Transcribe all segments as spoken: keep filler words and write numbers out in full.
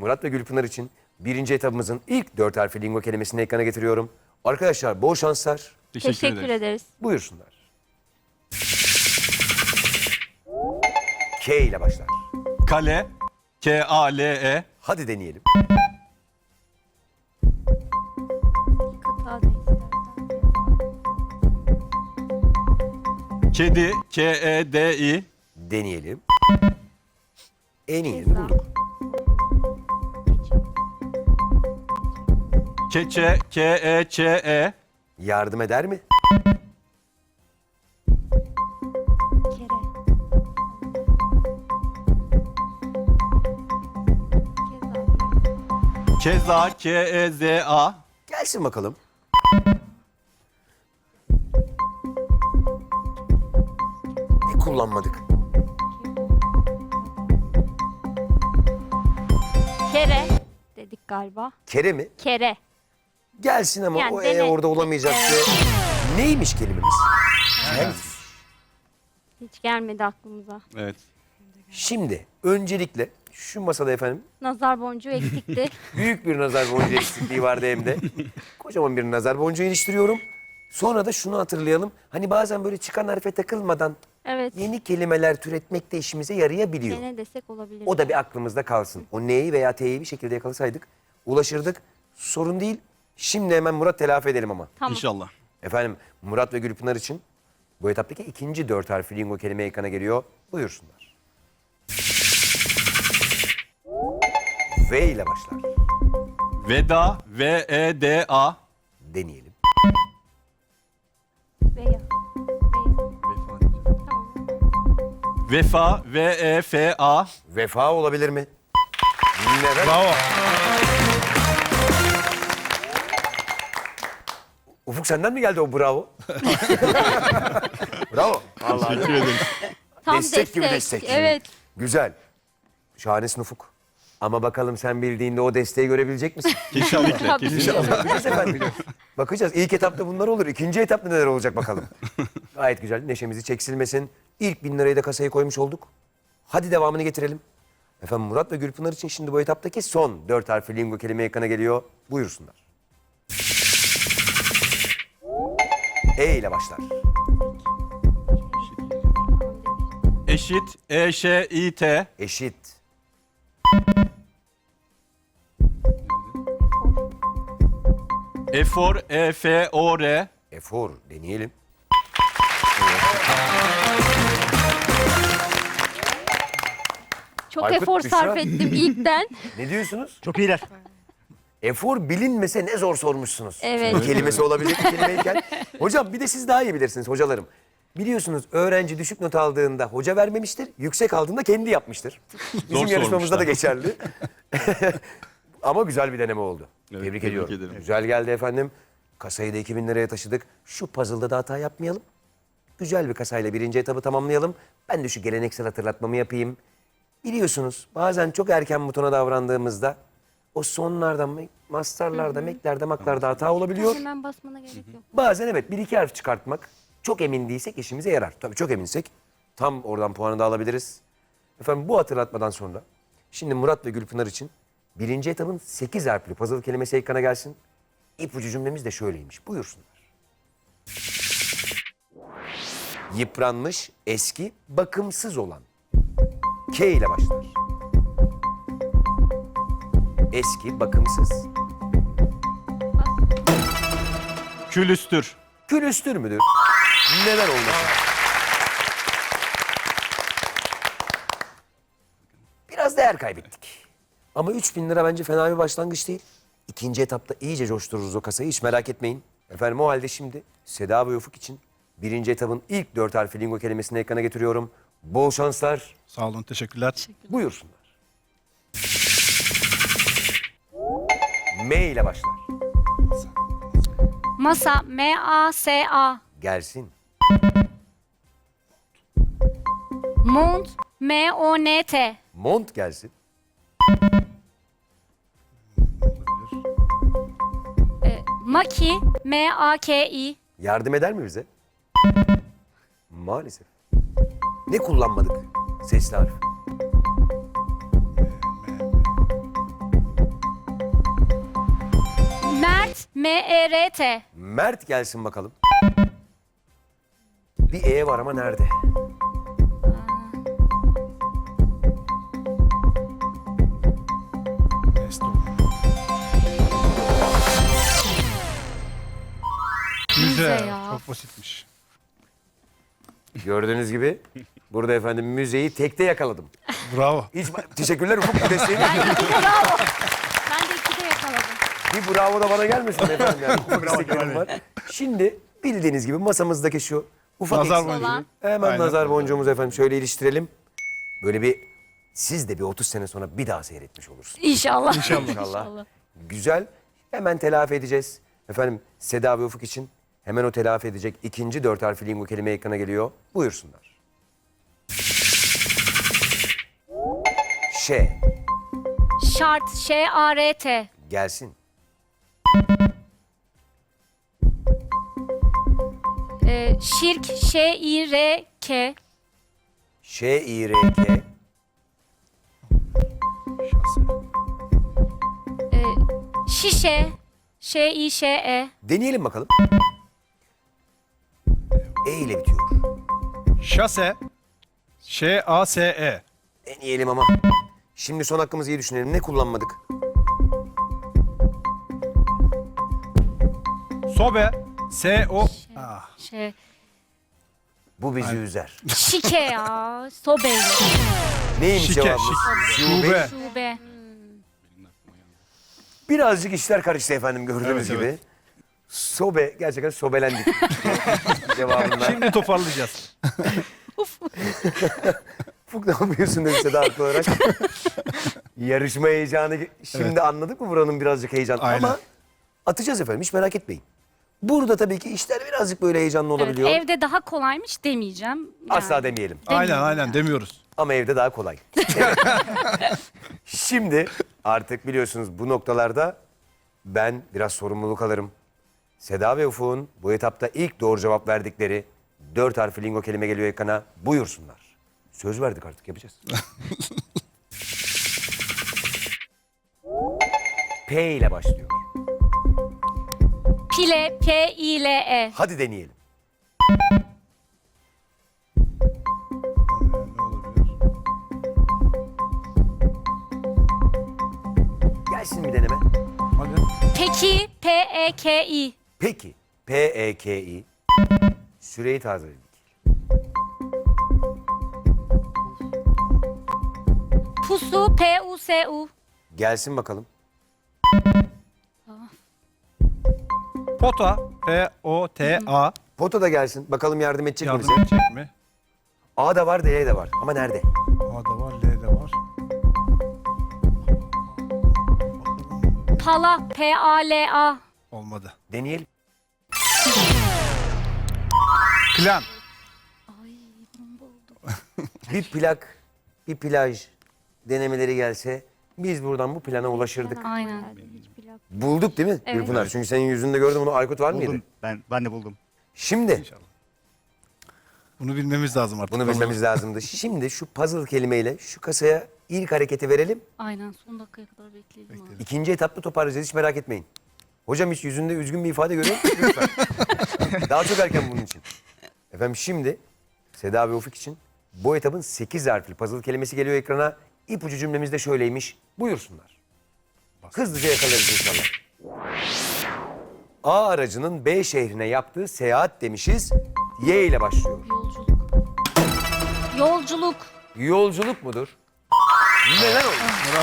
Murat ve Gülpınar için birinci etabımızın ilk dört harfli lingo kelimesini ekrana getiriyorum. Arkadaşlar bol şanslar. Teşekkür, Teşekkür ederiz. ederiz. Buyursunlar. K ile başlar. Kale. K A L E. Hadi deneyelim. Kıta da istersen. Kedi. K E D I. Deneyelim. En iyini Ceza. bulduk. Keçe. K E Ç E. Yardım eder mi? Kere. Keza. Keza. K E Z A. Gelsin bakalım. Ne kullanmadık? Kere dedik galiba. Kere mi? Kere. Gelsin ama Yani o dene. E orada olamayacaktı. Neymiş kelimemiz? Kel. Hiç gelmedi aklımıza. Evet. Şimdi öncelikle şu masada efendim Nazar boncuğu eksikti. büyük bir nazar boncuğu eksikliği vardı hem de. Kocaman bir nazar boncuğu iliştiriyorum. Sonra da şunu hatırlayalım. Hani bazen böyle çıkan harfe takılmadan Evet. yeni kelimeler türetmek de işimize yarayabiliyor. Gene desek olabilir. O da bir aklımızda kalsın. O N'yi veya T'yi bir şekilde yakalasaydık ulaşırdık. Sorun değil. Şimdi hemen Murat telafi edelim ama. Tamam. İnşallah. Efendim Murat ve Gülpınar için bu etaptaki ikinci dört harfli lingo kelime ekrana geliyor. Buyursunlar. V ile başlar. Veda. V E D A. Deneyelim. Veya. Veya. Tamam. Vefa. V E F A. Vefa olabilir mi? Neden? Bravo. Ufuk senden mi geldi o bravo? Bravo. Vallahi. Teşekkür ederiz. Tam Destek gibi destek. Evet. Güzel. Şahanesin Ufuk. Ama bakalım sen bildiğinde o desteği görebilecek misin? Kesinlikle. Tabii. Kesinlikle. Bakacağız efendim. Bakacağız. İlk etapta bunlar olur. İkinci etapta neler olacak bakalım. Gayet güzel. Neşemizi çeksilmesin. İlk bin lirayı da kasaya koymuş olduk. Hadi devamını getirelim. Efendim Murat ve Gülpınar için şimdi bu etaptaki son dört harfli lingo kelime ekrana geliyor. Buyursunlar. E ile başlar. Eşit. E Ş İ T. Eşit. Efor. E F O R. Efor. Deneyelim. Çok Aykut, efor Büşra. sarf ettim ilkten. Ne diyorsunuz? Çok iyiler. Efor bilinmese ne zor sormuşsunuz. Evet. Bir kelimesi olabilecek bir kelimeyken. Hocam bir de siz daha iyi bilirsiniz hocalarım. Biliyorsunuz öğrenci düşük not aldığında hoca vermemiştir. Yüksek aldığında kendi yapmıştır. Bizim yarışmamızda da geçerli. Ama güzel bir deneme oldu. Evet, tebrik, tebrik ediyorum. ederim. Güzel geldi efendim. Kasayı da iki bin liraya taşıdık. Şu puzzle'da da hata yapmayalım. Güzel bir kasayla birinci etabı tamamlayalım. Ben de şu geleneksel hatırlatmamı yapayım. Biliyorsunuz bazen çok erken butona davrandığımızda o sonlardan, mastarlarda, meklerde, maklarda hata olabiliyor. Hemen basmana gerek yok. Bazen evet bir iki harf çıkartmak çok emin değilsek işimize yarar. Tabii çok eminsek tam oradan puanı da alabiliriz. Efendim bu hatırlatmadan sonra şimdi Murat ve Gülpınar için birinci etabın sekiz harfli puzzle kelimesi ekrana gelsin. İpucu cümlemiz de şöyleymiş. Buyursunlar. Yıpranmış, eski, bakımsız olan. K ile başlar. Eski, bakımsız. Külüstür. Külüstür müdür? Neden olmasın? Biraz değer kaybettik. Ama üç bin lira bence fena bir başlangıç değil. İkinci etapta iyice coştururuz o kasayı, hiç merak etmeyin. Efendim o halde şimdi Seda ve Ufuk için birinci etabın ilk dört harfli lingo kelimesini ekrana getiriyorum. Bol şanslar. Sağ olun, teşekkürler. Buyursunlar. M ile başlar. Masa. M A S A. Gelsin. Mont. M O N T. Mont gelsin. E, Maki. M A K I. Yardım eder mi bize? Maalesef. Ne kullanmadık? Sesli harf. Mert. M E R T. Mert gelsin bakalım. Bir E var ama nerede? Mesto. Müze. ya. Çok basitmiş. Gördüğünüz gibi burada efendim müzeyi tekte yakaladım. Bravo. Hiç teşekkürler Ufuk bu desteğin. Ben de bravo. Ben de ikide yakaladım. Bir bravo da bana gelmesin efendim yani. Ufak isteklerim var. Şimdi bildiğiniz gibi masamızdaki şu ufak Nazar eksik- boncuğu. Olan. Hemen Aynen. nazar boncuğumuzu efendim şöyle iliştirelim. Böyle bir siz de bir otuz sene sonra bir daha seyretmiş olursunuz. İnşallah. İnşallah. İnşallah. Güzel. Hemen telafi edeceğiz. Efendim Seda ve Ufuk için hemen o telafi edecek ikinci dört harfli lingo kelime ekrana geliyor. Buyursunlar. Ş. Şart. Ş A R T. Gelsin. Ee, şirk. Ş İ R K. Ş, İ, R, K. Ee, şişe. Ş İ Ş E. Deneyelim bakalım. E ile bitiyor. Şase. Ş A S E. Deneyelim ama. Şimdi son hakkımızı iyi düşünelim. Ne kullanmadık? Sobe. S O. Ah. Şey. Bu bizi üzer. Şike ya. Sobe. Neymiş Şike, cevabımız? şike. Şube. Şube. Şube. Birazcık işler karıştı efendim gördüğünüz Evet, gibi. evet. Sobe, gerçekten sobelendik. Cevabında. Şimdi toparlayacağız. Ufuk ne yapıyorsun demişse de haklı olarak. Yarışma heyecanı şimdi anladık mı buranın birazcık heyecanı. Aynen. Ama atacağız efendim hiç merak etmeyin. Burada tabii ki işler birazcık böyle heyecanlı Evet, olabiliyor. evde daha kolaymış demeyeceğim. Yani. Asla demeyelim. Aynen aynen demiyoruz. Ama evde daha kolay. Evet. Şimdi artık biliyorsunuz bu noktalarda ben biraz sorumluluk alırım. Seda ve Ufuk'un bu etapta ilk doğru cevap verdikleri dört harfli lingo kelime geliyor ekrana. Buyursunlar. Söz verdik artık yapacağız. P ile başlıyor. Pile. P İ L E. Hadi deneyelim. Ne olabilir? Gelsin bir deneme. Hadi. Peki. P E K İ. Peki. P E K I. Süreyi tazeledik. Pusu. P U S U. Gelsin bakalım. Pota. P O T A. Pota da gelsin. Bakalım yardım edecek mi Yardım bize? edecek mi? A da var, D de var. Ama nerede? A da var, L de var. Pala. P A L A. Olmadı. Deneyelim. Plan. Bir plak, bir plaj denemeleri gelse biz buradan bu plana ulaşırdık. Aynen. Bulduk değil mi Evet. Gülpınar? Çünkü senin yüzünde gördüm onu. Aykut var mıydı? Buldum. Ben ben de buldum. Şimdi Bunu bilmemiz lazım artık. bunu bilmemiz lazımdı. Şimdi şu puzzle kelimeyle şu kasaya ilk hareketi verelim. Aynen. Son dakikaya kadar bekleyelim. abi. İkinci etapta toparlayacağız. Hiç merak etmeyin. Hocam hiç yüzünde üzgün bir ifade görüyor musun? Lütfen. Daha çok erken bunun için. Efendim şimdi Seda ve Ufuk için bu etapın sekiz harfli puzzle kelimesi geliyor ekrana. İpucu cümlemiz de şöyleymiş. Buyursunlar. Hızlıca yakalarız inşallah. A aracının B şehrine yaptığı seyahat demişiz. Y ile başlıyor. Yolculuk. Yolculuk. Yolculuk mudur? Neden olur?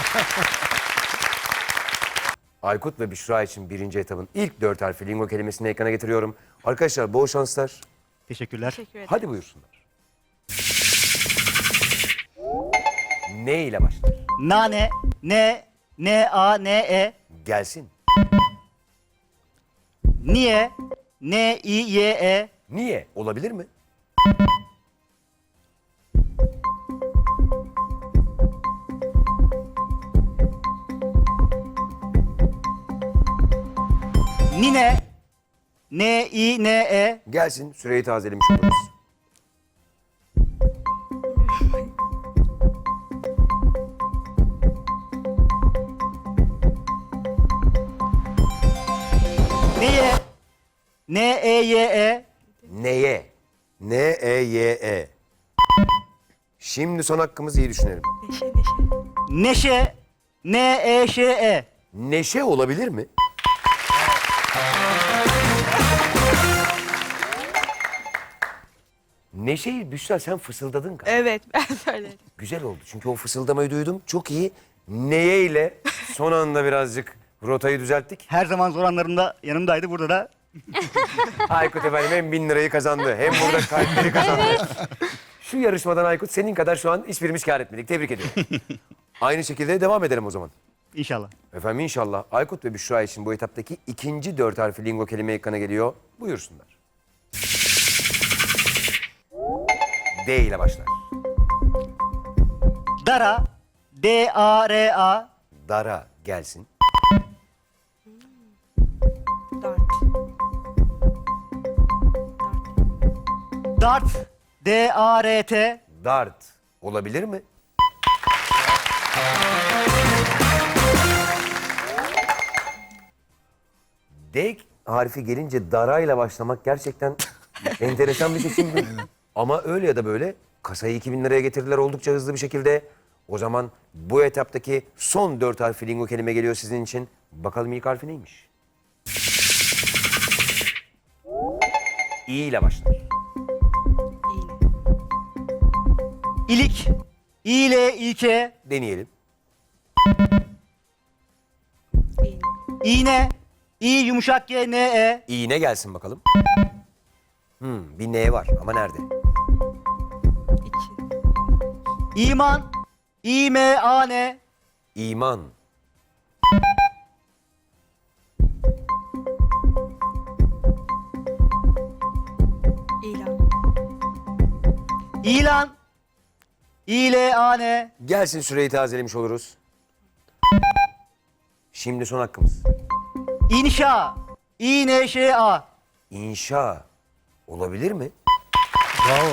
Aykut ve Büşra için birinci etapın ilk dört harfli lingo kelimesini ekrana getiriyorum. Arkadaşlar bol şanslar. Teşekkürler. Hadi buyursunlar. Ne ile başlar? Nane. N. N A N E. Gelsin. Niye. N I Y E. Niye? Olabilir mi? Nine. N I N E. Gelsin. Süreyi tazelemiş oluruz. N E Y E. Neye? N-E-Y-E. Şimdi son hakkımızı iyi düşünelim. Neşe. N E Ş E. Neşe olabilir mi? Neşeyi Büşra sen fısıldadın galiba. Evet ben söyledim. Güzel oldu çünkü o fısıldamayı duydum. Çok iyi. Neye ile son anda birazcık rotayı düzelttik. Her zaman zor anlarımda yanımdaydı. Burada da Aykut efendim hem bin lirayı kazandı hem burada kalpleri kazandı. Şu yarışmadan Aykut senin kadar şu an hiçbirimiz kâr etmedik. Tebrik ediyorum. Aynı şekilde devam edelim o zaman. inşallah. Efendim inşallah Aykut ve Büşra için bu etaptaki ikinci dört harfli lingo kelime ekrana geliyor. Buyursunlar. D ile başlar. Dara. D A R A. Dara gelsin. Dart. Dart. D A R T. Dart olabilir mi? D harfi gelince darayla başlamak gerçekten enteresan bir seçim. Ama öyle ya da böyle kasayı iki bin liraya getirdiler oldukça hızlı bir şekilde. O zaman bu etaptaki son dört harfli lingo kelime geliyor sizin için. Bakalım ilk harfi neymiş? İ ile başlar. İğne. İlik. İ L İ K. Deneyelim. İğne. İğne. İ yumuşak G N E. İğne gelsin bakalım. Hmm, bir N var ama nerede? İki. İman. İ M A N. İman. İlan. İlan. İ L A N. Gelsin süreyi tazelemiş oluruz. Şimdi son hakkımız. İnşa. İ N Ş A. İnşa olabilir mi? Bravo.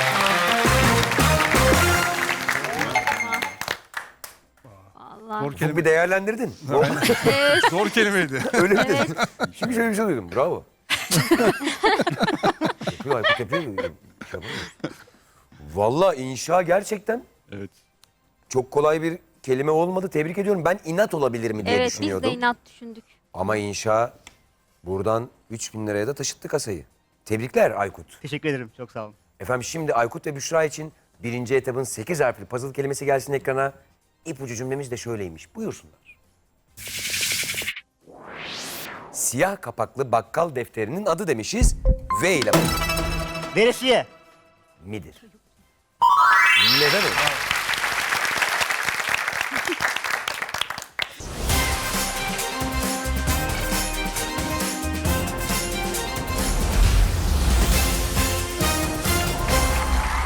Allah. Zor Çok kelime. bir değerlendirdin. Zor kelimeydi. Öyle mi dedin? Şimdi şöyle bir şey duydum. Bravo. yapıyor Aykut yapıyor. Şey yapamıyoruz. Vallahi inşa gerçekten Evet. çok kolay bir kelime olmadı. Tebrik ediyorum. Ben inat olabilir mi diye Evet biz düşünüyordum. de inat düşündük. Ama inşa buradan üç bin liraya da taşıttı kasayı. Tebrikler Aykut. Teşekkür ederim. Çok sağ olun. Efendim şimdi Aykut ve Büşra için birinci etapın sekiz harfli puzzle kelimesi gelsin ekrana. İpucu cümlemiz de şöyleymiş. Buyursunlar. Siyah kapaklı bakkal defterinin adı demişiz. V ile başlar. Veresiye. Midir? Neden öyle?